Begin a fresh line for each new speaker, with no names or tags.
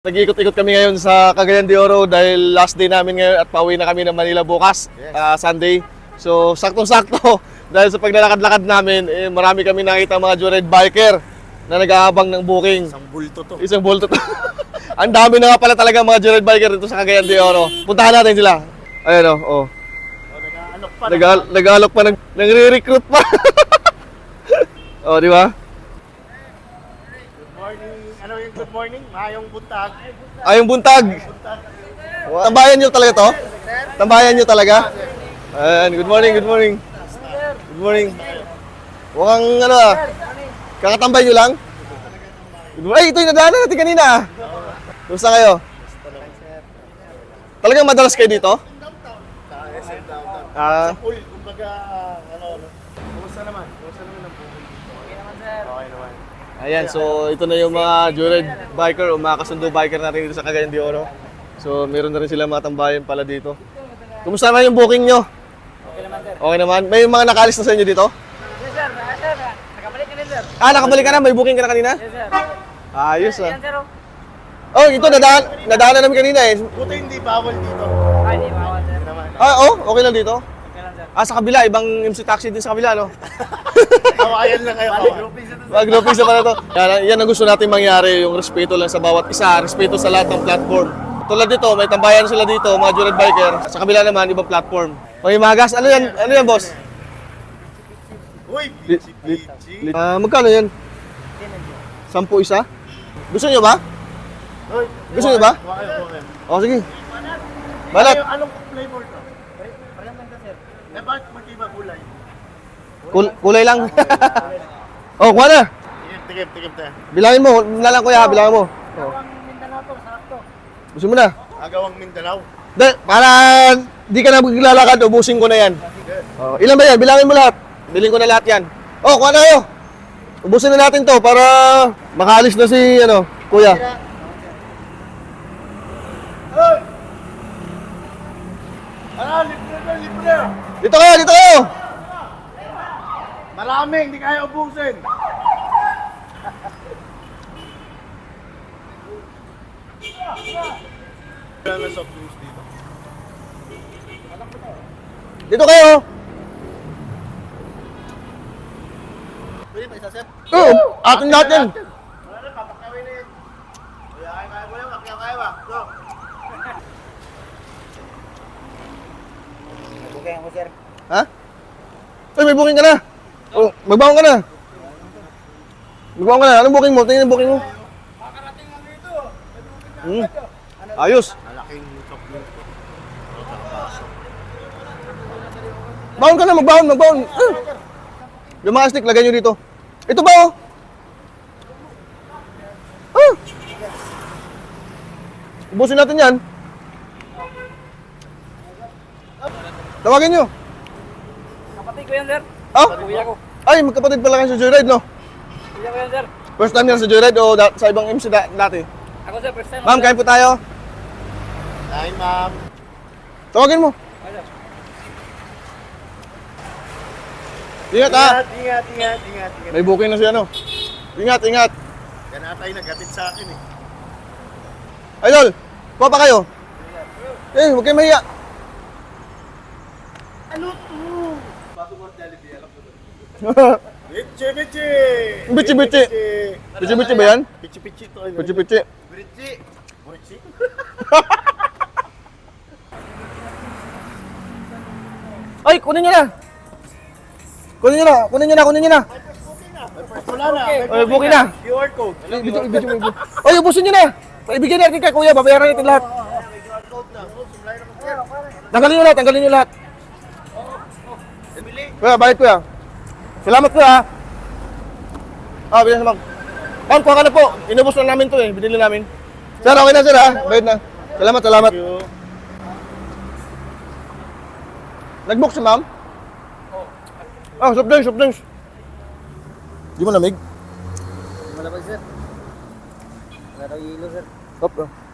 Nag-ikot-ikot kami ngayon sa Cagayan de Oro dahil last day namin ngayon at pauwi na kami ng Manila bukas, Sunday. So, saktong-sakto dahil sa paglalakad-lakad namin, marami kami nakita mga joyride biker na nag-aabang ng booking.
Isang bulto to.
Isang bulto to. Ang dami na nga pala talaga mga joyride biker dito sa Cagayan de Oro. Puntahan natin sila. Ayan o.
Nag-aalok pa.
Nag-aalok pa, nagre-recruit pa. O, di ba?
Ano yung good morning? Mayong buntag.
Ayong buntag. Tambayan nyo talaga to? Tambayan nyo talaga? Ayan, good morning, good morning. Good morning. Mukhang ano ah, kakatambay nyo lang? Ay, ito yung nadaanan natin kanina ah. Kumusta kayo? Talagang madalas kayo dito? Ah,
Uy, kumbaga, kumusta naman? Kumusta naman ang buhay dito? Okay naman, sir. Okay naman.
ayan, so ito na yung mga joyride biker o mga kasundo biker natin dito sa Cagayan de Oro. So meron na rin sila mga tambayan pala dito. Kumusta na yung booking nyo?
Okay naman, sir.
Okay naman. May mga nakaalis na sa inyo dito?
Yes, sir. Sir, nakabalik ka na, sir.
Ah, nakabalik ka na? May booking ka na kanina?
Yes, sir.
Ayos ah.
Yan, sir.
Oh, ito nadaanan namin kanina eh.
Buti hindi bawal dito.
Ay, di ba, sir?
Naman.
Ah, oh, okay lang dito.
Okay lang, sir.
Ah, sa kabila, ibang MC taxi din sa kabila, no?
Kawayan lang kayo.
Mag-grouping sa pala to. Yan ang gusto natin mangyari, yung respeto lang sa bawat isa, respeto sa lahat ng platform. Tulad dito, may tambayan sila dito, mga joyride biker. Sa kabila naman, ibang platform. Okay, Magas, ano yan? Ano yan, boss?
Uy, pichi.
Magkano yan? 10 isa? Gusto nyo ba?
Uy,
Gusto niyo ba?
Okay.
O, sige. Balat.
Anong flavor to?
Parang lang, sir.
Eh, bakit magkiba kulay?
Kulay lang. Oh, kuha na.
Tikim tayo.
Bilangin mo, na lang kuya, bilangin mo. Oh.
Ang Mindanao to, sarap to.
Gusto mo na?
Agawang Mindanao.
Para di ka na maglalakad, ubusin ko na yan. Oh, ilan ba yan? Bilangin mo lahat. Bilhin ko na lahat yan. Oh, kuha na kayo. Ubusin na natin to para makaalis na si, kuya.
Hoy! Libre na.
Dito kayo, dito kayo.
Marami, hindi kaya ubusin. Wala na soft drinks dito.
Dito kayo.
Pwede pa isa, sir?
Oh, atin lahat yan.
Wala na, papakawin na yun. Kaya mo yan, kaya ba? Go!
Okay ako, sir.
Ha? Ay, may booking ka na. Oh, magbangon ka na. Magbangon ka na. Anong booking mo? Tingnan yung booking mo.
Makarating lang dito.
Ayos.
Malaking soft drinks ko.
Bangon ka na, magbangon. Yung mga stick, lagay nyo dito. Ito ba, oh? Ah! Ubusin natin yan. Tawagin nyo.
Kapatid ko yan, sir.
Ah?
Kuya ko.
Ay, magkapatid pala kayo sa Joyride, no?
Kuya ko yan, sir.
First time yan sa Joyride o sa ibang MC dati?
Ako, sir, first time.
Ma'am, kain po tayo.
Dahil ma'am.
Tawagin mo.
Ay, sir.
Ingat, ha?
Ingat.
May booking na si ano. Ingat.
Yan ata yung naghatid sa akin eh.
Idol, kuha pa kayo. Huwag kayo mahiya.
Ano to? Bago mo Jollibee, alam ko to. Bichi!
Bichi-bichi. Bichi-bichi ba yan?
Bichi to.
Pichi-pichi.
Bichi?
Ay, kunin nyo na. Kunin nyo na.
Wala na.
Ay, booking na.
QR code.
Video. Ay, ubusin nyo na. Ibigay natin kay kuya, babayaran natin lahat.
QR code na. Oh, sumlay na mo.
Tanggalin nyo lahat. Kuya, bayad kuya. Salamat kuya. Ah, bilang naman. Ma'am, kuha ka na po. Inubos na namin to eh. Binili namin. Sir, okay na sir ha. Bayad na. Salamat.
Thank you.
Nag-book si ma'am? Ah, soft drinks. Di mo lamig?
Malabas, sir. Wala daw yelo, sir.
Stop.